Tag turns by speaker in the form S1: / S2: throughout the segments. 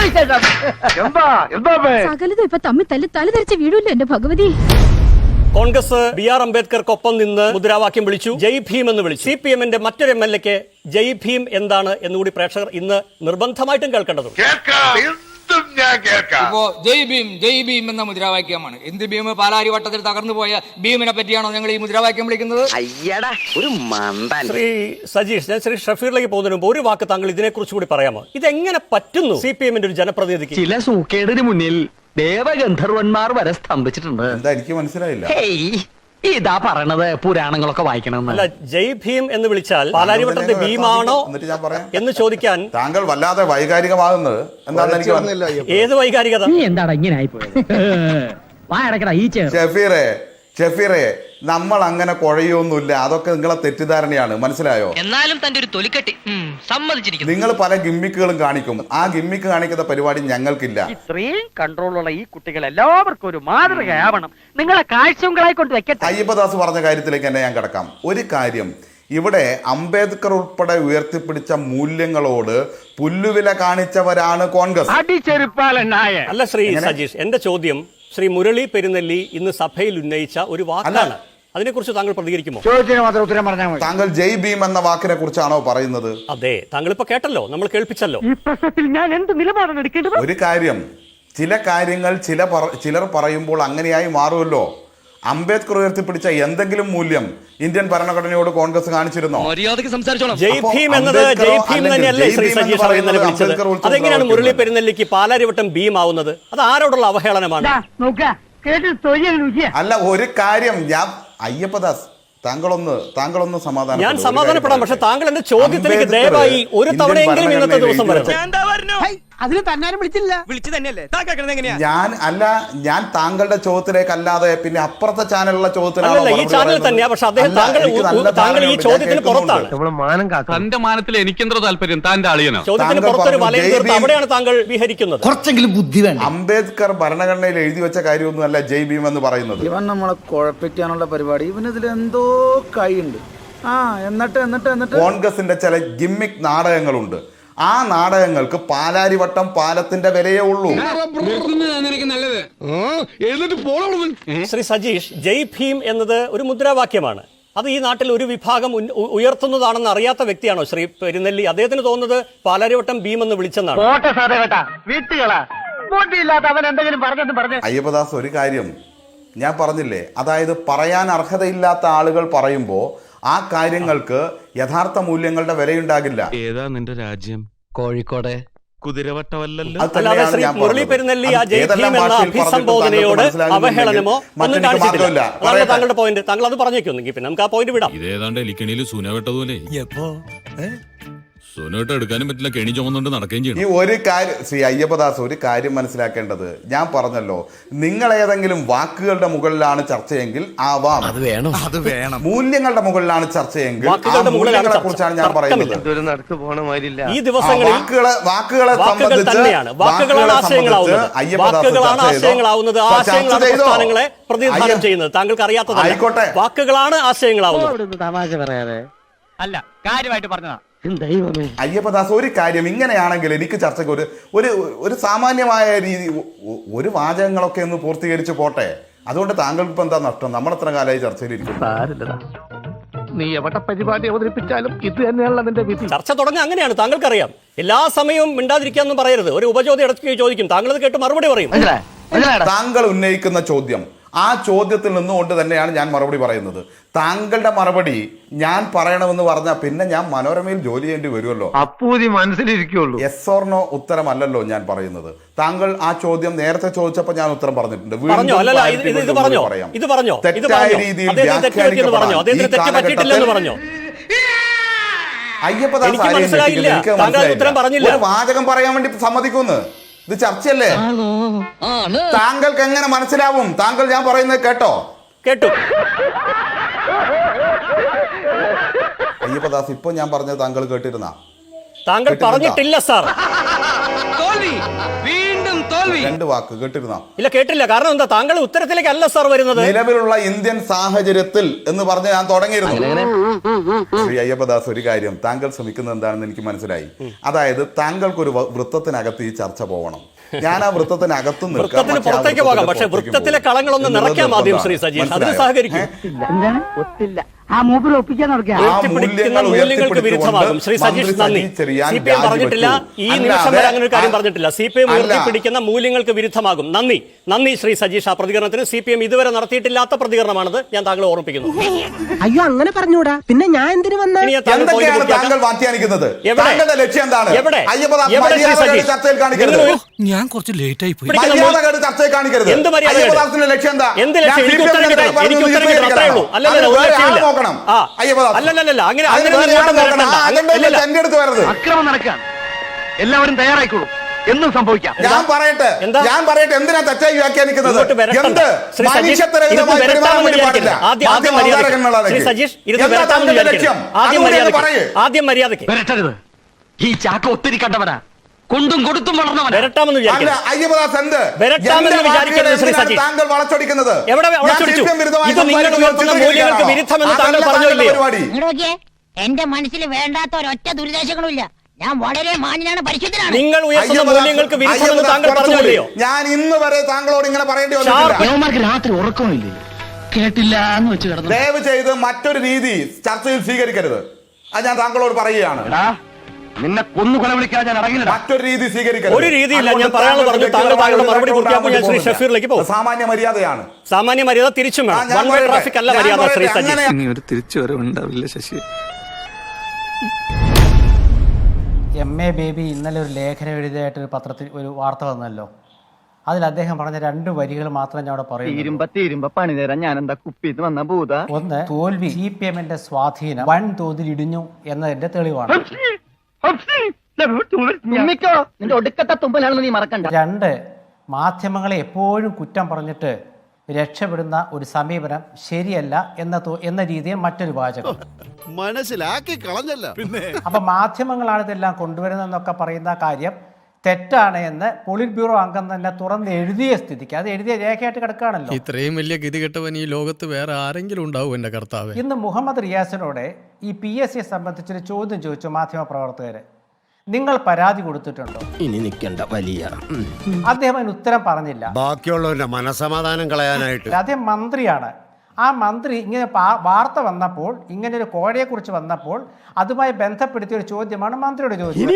S1: സകലതും ഇപ്പൊ തമ്മിൽ തല ധരിച്ച വീടില്ല എന്റെ ഭഗവതി.
S2: കോൺഗ്രസ് BR അംബേദ്കർക്കൊപ്പം നിന്ന് മുദ്രാവാക്യം വിളിച്ചു, ജയ് ഭീം എന്ന് വിളിച്ചു. CPM-ന്റെ മറ്റൊരു MLA-ക്ക് ജയ് ഭീം എന്താണ് എന്നുകൂടി പ്രേക്ഷകർ ഇന്ന് നിർബന്ധമായിട്ടും കേൾക്കേണ്ടതുണ്ട്.
S3: ഇപ്പോ ജയ് ഭീം എന്ന മുദ്രാവാക്യമാണ്. എന്ത് ഭീം? പാലാരി വട്ടത്തിൽ തകർന്നു പോയ ഭീമിനെ പറ്റിയാണോ ഞങ്ങൾ ഈ മുദ്രാവാക്യം വിളിക്കുന്നത്?
S4: ഒരു മണ്ടൻ.
S2: ശ്രീ സജീഷ്, ഞാൻ ശ്രീ ഷഫീറിലേക്ക് പോകുന്നതിന് മുമ്പ് ഒരു വാക്ക് താങ്കൾ ഇതിനെക്കുറിച്ച് കൂടി പറയാമോ? ഇതെങ്ങനെ പറ്റുന്നു CPM-ന്റെ ഒരു ജനപ്രതിനിധിക്ക്?
S4: ചില സൂക്കേടിന് മുന്നിൽ ദേവഗന്ധർവന്മാർ വരെ സ്തംഭിച്ചിട്ടുണ്ട്.
S5: എന്താ എനിക്ക് മനസ്സിലായില്ല.
S4: ഇതാ പറയണത് പുരാണങ്ങളൊക്കെ വായിക്കണം.
S2: അല്ല, ജയ് ഭീം എന്ന് വിളിച്ചാൽ പാലാരിവട്ടത്തെ ഭീമാണോ എന്ന് ചോദിക്കാൻ
S5: താങ്കൾ വല്ലാതെ വൈകാരികമാകുന്നത് എന്താണെന്ന് എനിക്ക്
S2: ഏത് വൈകാരികത?
S4: എന്താണ് ഇങ്ങനെ ആയിപ്പോയത്?
S5: ഷെഫീറെ, നമ്മൾ അങ്ങനെ കുഴയൊന്നുമില്ല. അതൊക്കെ നിങ്ങളെ തെറ്റിദ്ധാരണയാണ്, മനസ്സിലായോ?
S6: എന്നാലും തന്റെ ഒരു തൊലിക്കെട്ടി സമ്മതിച്ചിരിക്കുന്നു.
S5: നിങ്ങൾ പല ഗിമ്മിക്കുകളും കാണിക്കും. ആ ഗിമ്മിക്ക് കാണിക്കുന്ന പരിപാടി ഞങ്ങൾക്കില്ല.
S6: ഇത്രയും കൺട്രോളുള്ള ഈ കുട്ടികൾ എല്ലാവർക്കും ഒരു മാതൃകയാവണം. നിങ്ങളെ കാഴ്ചകളായി കൊണ്ട് വെക്കട്ടെ.
S5: അയ്യപ്പദാസ് പറഞ്ഞ കാര്യത്തിലേക്ക് തന്നെ ഞാൻ കിടക്കാം. ഒരു കാര്യം, ഇവിടെ അംബേദ്കർ ഉൾപ്പെടെ ഉയർത്തിപ്പിടിച്ച മൂല്യങ്ങളോട് പുല്ലുവില കാണിച്ചവരാണ് കോൺഗ്രസ്.
S2: അല്ല ശ്രീ സജീഷ്, എന്റെ ചോദ്യം ശ്രീ മുരളി പെരുന്നെല്ലി ഇന്ന് സഭയിൽ ഉന്നയിച്ച ഒരു വാക്കാണ്. അതിനെക്കുറിച്ച് താങ്കൾ പ്രതികരിക്കുമോ?
S5: താങ്കൾ ജയ് ഭീം എന്ന വാക്കിനെ കുറിച്ചാണോ പറയുന്നത്?
S2: അതെ, താങ്കൾ ഇപ്പൊ കേട്ടല്ലോ, നമ്മൾ കേൾപ്പിച്ചല്ലോ.
S6: ഈ പ്രശ്നത്തിൽ ഞാൻ എന്ത് നിലപാടാണ് എടുക്കേണ്ടത്?
S5: ഒരു കാര്യം, ചില കാര്യങ്ങൾ ചിലർ പറയുമ്പോൾ അങ്ങനെയായി മാറുമല്ലോ. അംബേദ്കർ ഉയർത്തിപ്പിടിച്ച എന്തെങ്കിലും മൂല്യം ഇന്ത്യൻ ഭരണഘടനയോട് കോൺഗ്രസ് കാണിച്ചിരുന്നോ?
S2: ജയ് ഭീം എന്നത് ജയ് ഭീം തന്നെയല്ലേ ശ്രീ സജീഷ് ഇന്നലെ വിളിച്ചത്? അതെങ്ങനെയാണ് മുരളി പെരുന്നെല്ലിക്ക് പാലാരിവട്ടം ഭീം ആവുന്നത്? അത് ആരോടുള്ള അവഹേളനമാണ്?
S5: അല്ല, ഒരു കാര്യം, ഞാൻ അയ്യപ്പദാസ് താങ്കളൊന്ന് സമാധാനം. ഞാൻ
S2: സമാധാനപ്പെടാം, പക്ഷെ താങ്കൾ എന്റെ ചോദ്യത്തിലേക്ക് ദയവായി ഒരു തവണയെങ്കിലും ഇന്നത്തെ ദിവസം വരണം.
S6: അതിന് തന്നാരും വിളിച്ചില്ല.
S5: ഞാൻ താങ്കളുടെ ചോദ്യത്തിലേക്ക് അല്ലാതെ പിന്നെ അപ്പുറത്തെ ചാനലിലുള്ള ചോദ്യത്തിലാണ്.
S2: ഈ ചാനൽ തന്നെയാ, പക്ഷെ താങ്കൾ ഈ ചോദ്യത്തിന് പുറത്താണ്.
S7: തന്റെ മാനത്തിൽ എനിക്കെന്തോ താല്പര്യം, താന്റെ അളിയനോ?
S2: ചോദ്യത്തിന് പുറത്തൊരു വലയം തീർത്ത് അവിടെയാണ് താങ്കൾ വിഹരിക്കുന്നത്.
S4: കുറച്ചെങ്കിലും ബുദ്ധി വേണം.
S5: അംബേദ്കർ ഭരണഘടനയിൽ എഴുതി വെച്ച കാര്യമൊന്നുമല്ല ജയ് ഭീം എന്ന് പറയുന്നത്.
S8: ഇവൻ നമ്മളെ കുഴപ്പിക്കാനുള്ള പരിപാടി, ഇവനിതിൽ എന്തോ കൈയുണ്ട്. എന്നിട്ട്
S5: കോൺഗ്രസിന്റെ ചില ഗിമ്മിക് നാടകങ്ങളുണ്ട്. ആ നാടകങ്ങൾക്ക് പാലാരിവട്ടം പാലത്തിന്റെ വിലയേ ഉള്ളൂ.
S2: ശ്രീ സജീഷ്, ജയ് ഭീം എന്നത് ഒരു മുദ്രാവാക്യമാണ്. അത് ഈ നാട്ടിൽ ഒരു വിഭാഗം ഉയർത്തുന്നതാണെന്ന് അറിയാത്ത വ്യക്തിയാണോ ശ്രീ പെരുന്നെല്ലി? അദ്ദേഹത്തിന് തോന്നുന്നത് പാലാരിവട്ടം ഭീം എന്ന് വിളിച്ചെന്നാണ്.
S5: അയ്യപ്പദാസ്, ഒരു കാര്യം ഞാൻ പറഞ്ഞില്ലേ, അതായത് പറയാൻ അർഹതയില്ലാത്ത ആളുകൾ പറയുമ്പോൾ ആ കാര്യങ്ങൾക്ക് യഥാർത്ഥ മൂല്യങ്ങളുടെ വിലയുണ്ടാകില്ല.
S7: ഏതാ നിന്റെ രാജ്യം?
S4: കോഴിക്കോട്
S7: കുതിരവട്ടമല്ലല്ലോ.
S2: അല്ലാതെ ശ്രീ മുരളി പെരുന്നെല്ലി ആ ജയ് ഭീം എന്ന അഭിസംബോധനയോട് അവഹേളനമോ ഒന്നും കാണിച്ചിട്ടില്ല. അതാണ് താങ്കളുടെ പോയിന്റ്. താങ്കൾ അത് പറഞ്ഞേക്കൊന്നെങ്കിൽ പിന്നെ നമുക്ക് ആ പോയിന്റ് വിടാം.
S7: ഇതേതാണ്ട് എലിക്കണിയിൽ സൂന വെട്ടതുപോലെ സൂനോട്ട് എടുക്കാനും പറ്റില്ല, കെണി ചുമന്നുകൊണ്ട് നടക്കുകയും ചെയ്യണം.
S5: ഈ ഒരു കാര്യം ശ്രീ അയ്യപ്പദാസ്, ഒരു കാര്യം മനസ്സിലാക്കേണ്ടത്, ഞാൻ പറഞ്ഞല്ലോ, നിങ്ങൾ ഏതെങ്കിലും വാക്കുകളുടെ മുകളിലാണ് ചർച്ചയെങ്കിൽ ആവാം, അത് വേണം. മൂല്യങ്ങളുടെ മുകളിലാണ് ചർച്ചയെങ്കിൽ മൂല്യങ്ങളെ കുറിച്ചാണ് ഞാൻ പറയുന്നത്.
S2: ഈ ദിവസങ്ങളിൽ
S5: വാക്കുകളെ സംബന്ധിച്ച്
S2: ആശയങ്ങളാവുന്നത് പ്രതിനിധാനം ചെയ്യുന്നത് താങ്കൾക്ക് അറിയാത്തത്.
S5: ആയിക്കോട്ടെ,
S2: വാക്കുകളാണ് ആശയങ്ങളാവുന്നത്.
S6: തമാശ പറയാതെ അല്ല, കാര്യമായിട്ട് പറഞ്ഞതാ.
S5: അയ്യപ്പദാസ്, ഒരു കാര്യം, ഇങ്ങനെയാണെങ്കിൽ എനിക്ക് ചർച്ചയ്ക്ക് ഒരു സാമാന്യമായ രീതി, ഒരു വാചകങ്ങളൊക്കെ ഒന്ന് പൂർത്തീകരിച്ച് പോട്ടെ. അതുകൊണ്ട് താങ്കൾക്ക് ഇപ്പൊ എന്താ നഷ്ടം? നമ്മളെത്ര കാലമായി ചർച്ചയിലിരിക്കും.
S6: നീ എവിടെ പരിപാടി അവതരിപ്പിച്ചാലും ഇത് തന്നെയാണല്ലോ നിന്റെ വിധി.
S2: ചർച്ച തുടങ്ങുക അങ്ങനെയാണ്, താങ്കൾക്കറിയാം. എല്ലാ സമയവും മിണ്ടാതിരിക്കാന്നും പറയരുത്. ഒരു ഉപചോദ്യം ഇടയ്ക്ക് ചോദിക്കും, താങ്കൾ അത് കേട്ട് മറുപടി പറയും.
S5: താങ്കൾ ഉന്നയിക്കുന്ന ചോദ്യം, ആ ചോദ്യത്തിൽ നിന്നുകൊണ്ട് തന്നെയാണ് ഞാൻ മറുപടി പറയുന്നത്. താങ്കളുടെ മറുപടി ഞാൻ പറയണമെന്ന് പറഞ്ഞാൽ പിന്നെ ഞാൻ മനോരമയിൽ ജോലി ചെയ്യേണ്ടി വരുമല്ലോ.
S8: അപ്പൂതി മനസ്സിലിരിക്കുള്ളൂ.
S5: യെസ് ഓർ നോ ഉത്തരമല്ലല്ലോ ഞാൻ പറയുന്നത്. താങ്കൾ ആ ചോദ്യം നേരത്തെ ചോദിച്ചപ്പോൾ ഞാൻ ഉത്തരം പറഞ്ഞിട്ടുണ്ട്. തെറ്റായ രീതിയിൽ ഒരു വാചകം പറയാൻ വേണ്ടി സമ്മതിക്കുന്നു. ഇത് ചർച്ചയല്ലേ? താങ്കൾക്ക് എങ്ങനെ മനസ്സിലാവും? താങ്കൾ ഞാൻ പറയുന്നത് കേട്ടോ?
S2: കേട്ടു.
S5: അയ്യപ്പദാസ്, ഇപ്പൊ ഞാൻ പറഞ്ഞത് താങ്കൾ കേട്ടിരുന്ന?
S2: താങ്കൾ പറഞ്ഞിട്ടില്ല സാർ.
S3: വീണ്ടും
S5: രണ്ട് വാക്ക് കേട്ടിരുന്നോ?
S2: ഇല്ല, കേട്ടില്ല. കാരണം എന്താ, താങ്കൾ ഉത്തരത്തിലേക്കല്ല സാർ വരുന്നത്.
S5: നിലവിലുള്ള ഇന്ത്യൻ സാഹചര്യത്തിൽ എന്ന് പറഞ്ഞ് ഞാൻ തുടങ്ങിയിരുന്നു. ശ്രീ അയ്യപ്പദാസ്, ഒരു കാര്യം താങ്കൾ ശ്രമിക്കുന്നത് എന്താണെന്ന് എനിക്ക് മനസ്സിലായി. അതായത് താങ്കൾക്കൊരു വൃത്തത്തിനകത്ത് ഈ ചർച്ച പോകണം. ഞാൻ ആ വൃത്തത്തിനകത്ത്
S2: വൃത്തത്തിന് പുറത്തേക്ക് പോകാം, പക്ഷെ വൃത്തത്തിലെ കളങ്ങളൊന്ന് നിറയ്ക്കാൻ ആദ്യം ശ്രീ സജീഷ്, അതിന് സഹകരിക്കും.
S6: ഒത്തില്ല ആ മൂപ്പര് ഒപ്പിക്കാൻ നടക്കുക.
S2: മൂല്യങ്ങൾക്ക് വിരുദ്ധമാകും. ശ്രീ സജീഷ്, നന്ദി. CPM പറഞ്ഞിട്ടില്ല, ഈ നിമിഷം വരെ അങ്ങനെ ഒരു കാര്യം പറഞ്ഞിട്ടില്ല. CPM ഉയർത്തിപ്പിടിക്കുന്ന മൂല്യങ്ങൾക്ക് വിരുദ്ധമാകും. നന്ദി, നന്ദി ശ്രീ സജീഷ്. ആ പ്രതികരണത്തിന് CPM ഇതുവരെ നടത്തിയിട്ടില്ലാത്ത പ്രതികരണമാണത്, ഞാൻ താങ്കളെ ഓർമ്മിപ്പിക്കുന്നു.
S9: അയ്യോ, അങ്ങനെ പറഞ്ഞൂടാ, പിന്നെ ഞാൻ എന്തിനു വന്ന
S5: താങ്കൾ വ്യാഖ്യാനിക്കുന്നത്? താങ്കളുടെ ലക്ഷ്യം എന്താണ്? ചർച്ചയിൽ കാണിക്കരുത്.
S7: ഞാൻ കുറച്ച് ലേറ്റ് ആയി പോയി.
S5: ചർച്ചയിൽ കാണിക്കരുത്.
S2: എന്ത് മര്യാദ?
S5: അയ്യപ്പദാസിന്റെ ലക്ഷ്യം എന്താ?
S2: എന്ത് ലക്ഷ്യം? എനിക്ക് ഉത്തരം കിട്ടണം. അത്രേ ഉള്ളൂ. അല്ലല്ല, ഒരു ലക്ഷ്യമില്ല. അല്ലല്ല, അങ്ങനെ
S6: അക്രമം നടക്കാൻ എല്ലാവരും തയ്യാറായിക്കോളൂ, എന്നും സംഭവിക്കാം.
S5: ഞാൻ പറയട്ടെ, എന്തിനാ തെറ്റായി വ്യാഖ്യാനിക്കുന്നത്? എന്ത് മനുഷ്യത്വരഹിതമായി പെരുമാറാൻ വേണ്ടി പാടില്ല.
S2: ആദ്യം മര്യാദയ്ക്ക്
S6: വരട്ടരുത്. ഈ ചാക്ക ഒത്തിരി കണ്ടവനാ, കൊണ്ടും കൊടുത്തും വളർന്നവനാ.
S2: വരട്ടാമെന്ന് വിചാരിക്കരുത്.
S5: അയ്യപ്പദാസ് എന്ത്
S2: വരട്ടാമെന്ന് വിചാരിക്കരുത് ശ്രീ സജീഷ്.
S5: താങ്കൾ വളച്ചൊടിക്കുന്നത്
S2: എവിടെ വളച്ചൊടിച്ചു? ഇത് നിങ്ങൾ ഉയർത്തുന്ന മൂല്യങ്ങൾക്ക് വിരുദ്ധമെന്ന് താങ്കൾ പറഞ്ഞില്ലേ?
S9: എന്റെ മനസ്സിൽ വേണ്ടാത്ത ഒരൊറ്റ ദുരിതാശങ്ങളും ഇല്ല. ഞാൻ വളരെ മാന്യനാണ്, പരിശുദ്ധനാണ്.
S2: നിങ്ങൾ ഉയർത്തുന്ന മൂല്യങ്ങൾക്ക് വിരുദ്ധമെന്ന് താങ്കൾ പറഞ്ഞില്ലയോ?
S5: ഞാൻ ഇന്ന് വരെ താങ്കളോട് ഇങ്ങനെ പറയേണ്ടി വന്നിട്ടില്ല.
S6: രാത്രി ഉറക്കമില്ലേ? കേട്ടില്ല എന്ന് വെച്ച് കിടന്നു.
S5: ദയവ് ചെയ്ത് മറ്റൊരു രീതി ചർച്ചയിൽ സ്വീകരിക്കരുത്. അത് ഞാൻ താങ്കളോട് പറയുകയാണ്.
S6: നിന്നെ കൊന്നു കൊല വിളിക്കാൻ ഞാൻ ഇറങ്ങില്ല.
S5: മറ്റൊരു രീതി സ്വീകരിക്കരുത്.
S2: ഒരു രീതിയില്ല, ഞാൻ പറയാനുള്ള പറഞ്ഞു. താങ്കളുടെ മറുപടി പൂർത്തിയാക്കുമ്പോൾ ഞാൻ ശ്രീ ഷഫീറിലേക്ക് പോകും.
S5: സാമാന്യ മര്യാദയാണ്.
S2: സാമാന്യ മര്യാദ തിരിച്ചും വേണം. വൺ വേ ട്രാഫിക് അല്ല മര്യാദ ശ്രീ സജീഷ്.
S7: ഒരു തിരിച്ചുവരവുണ്ടാവില്ല ശശി.
S10: MA ബേബി ഇന്നലെ ഒരു ലേഖനം എഴുതിയായിട്ടൊരു പത്രത്തിൽ ഒരു വാർത്ത വന്നല്ലോ. അതിൽ അദ്ദേഹം പറഞ്ഞ 2 വരികൾ മാത്രം ഞാൻ അവിടെ പറയുന്നു.
S6: തീരുമ്പ പണി തരാൻ ഞാൻ എന്താ കുപ്പിന്ന് വന്ന ഭൂത.
S10: ഒന്ന്, തോൽവി CPMന്റെ സ്വാധീനം വൻതോതിൽ ഇടിഞ്ഞു എന്നതിന്റെ തെളിവാണ്.
S6: നിന്റെ ഒടുക്കത്തെ തുമ്പലാണെന്ന് നീ മറക്കണ്ട.
S10: 2, മാധ്യമങ്ങളെ എപ്പോഴും കുറ്റം പറഞ്ഞിട്ട് രക്ഷപ്പെടുന്ന ഒരു സമീപനം ശരിയല്ല എന്ന രീതിയിൽ മറ്റൊരു വാചകം
S11: മനസ്സിലാക്കി കളഞ്ഞല്ല. പിന്നെ
S10: അപ്പൊ മാധ്യമങ്ങളാണ് ഇതെല്ലാം കൊണ്ടുവരുന്നതെന്നൊക്കെ പറയുന്ന കാര്യം തെറ്റാണ് എന്ന് പോളിറ്റ് ബ്യൂറോ അംഗം തന്നെ തുറന്ന് എഴുതിയ സ്ഥിതിക്ക്, അത് എഴുതിയ രേഖയായിട്ട് കിടക്കുകയാണല്ലോ.
S11: ഇത്രയും വലിയ ഗതികെട്ടവൻ ഈ ലോകത്ത് വേറെ ആരെങ്കിലും ഉണ്ടാവും എന്റെ കർത്താവ്?
S10: ഇന്ന് മുഹമ്മദ് റിയാസിനോട് ഈ PSCയെ സംബന്ധിച്ചൊരു ചോദ്യം ചോദിച്ചു മാധ്യമ പ്രവർത്തകര്. നിങ്ങൾ പരാതി കൊടുത്തിട്ടുണ്ടോ?
S11: ഇനി നിൽക്കണ്ട വലിയ.
S10: അദ്ദേഹം അതിന് ഉത്തരം പറഞ്ഞില്ല.
S11: ബാക്കിയുള്ളവരുടെ മനസമാധാനം കളയാനായിട്ട്.
S10: അദ്ദേഹം മന്ത്രിയാണ്. ആ മന്ത്രി ഇങ്ങനെ വാർത്ത വന്നപ്പോൾ, ഇങ്ങനെ ഒരു കോഴയെ കുറിച്ച് വന്നപ്പോൾ അതുമായി ബന്ധപ്പെടുത്തിയ ഒരു ചോദ്യമാണ് മന്ത്രിയോട് ചോദിച്ചത്.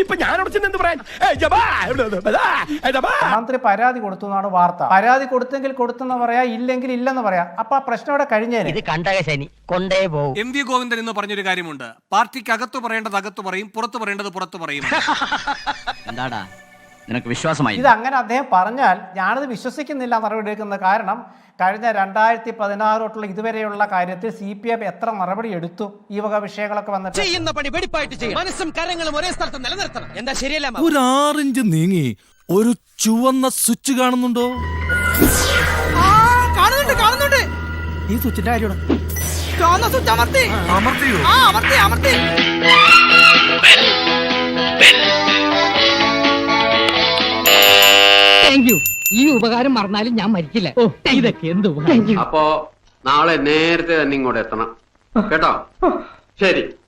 S10: മന്ത്രി പരാതി കൊടുത്തു എന്നാണ് വാർത്ത. പരാതി കൊടുത്തെങ്കിൽ കൊടുത്തെന്ന് പറയാ, ഇല്ലെങ്കിൽ ഇല്ലെന്ന് പറയാം. അപ്പൊ ആ പ്രശ്നം അവിടെ കഴിഞ്ഞേനെ.
S9: ഇത് കണ്ടകശനി കൊണ്ടേ പോകും.
S11: MV ഗോവിന്ദൻ എന്ന് പറഞ്ഞൊരു കാര്യമുണ്ട്. പാർട്ടിക്ക് അകത്ത് പറയേണ്ടത് അകത്ത് പറയും, പുറത്ത് പറയേണ്ടത് പുറത്ത് പറയും.
S6: എന്താടാ നിനക്ക് വിശ്വാസമായി?
S10: ഇത് അങ്ങനെ അദ്ദേഹം പറഞ്ഞാൽ ഞാനത് വിശ്വസിക്കുന്നില്ല നടപടി എടുക്കുന്നത്. കാരണം കഴിഞ്ഞ 2016 തൊട്ടുള്ള ഇതുവരെയുള്ള കാര്യത്തിൽ CPM എത്ര നടപടി എടുത്തു ഈ വക വിഷയങ്ങളൊക്കെ വന്നിട്ട്?
S9: ചെയ്യുന്ന പണി വെടിപ്പായിട്ട് ചെയ്യും. മനസ്സും കരങ്ങളും ഒരേ സ്ഥലത്ത് നിലനിർത്തണം. എന്താ ശരിയല്ല?
S11: ഒരു 6 ഇഞ്ച് നീങ്ങി ഒരു ചുവന്ന സ്വിച്ച് കാണുന്നുണ്ടോ?
S9: കാണുന്നുണ്ട്.
S11: ഈ സ്വിച്ചിന്റെ കാര്യമാണ്.
S9: ചുവന്ന സ്വിച്ച് അമർത്തി. അമർത്തി. Thank you. ഈ ഉപകാരം മറന്നാലും ഞാൻ മരിക്കില്ല. ഇതൊക്കെ എന്ത് ഉപകാരം.
S12: അപ്പോ നാളെ നേരത്തെ തന്നെ ഇങ്ങോട്ട് എത്തണം കേട്ടോ? ശരി.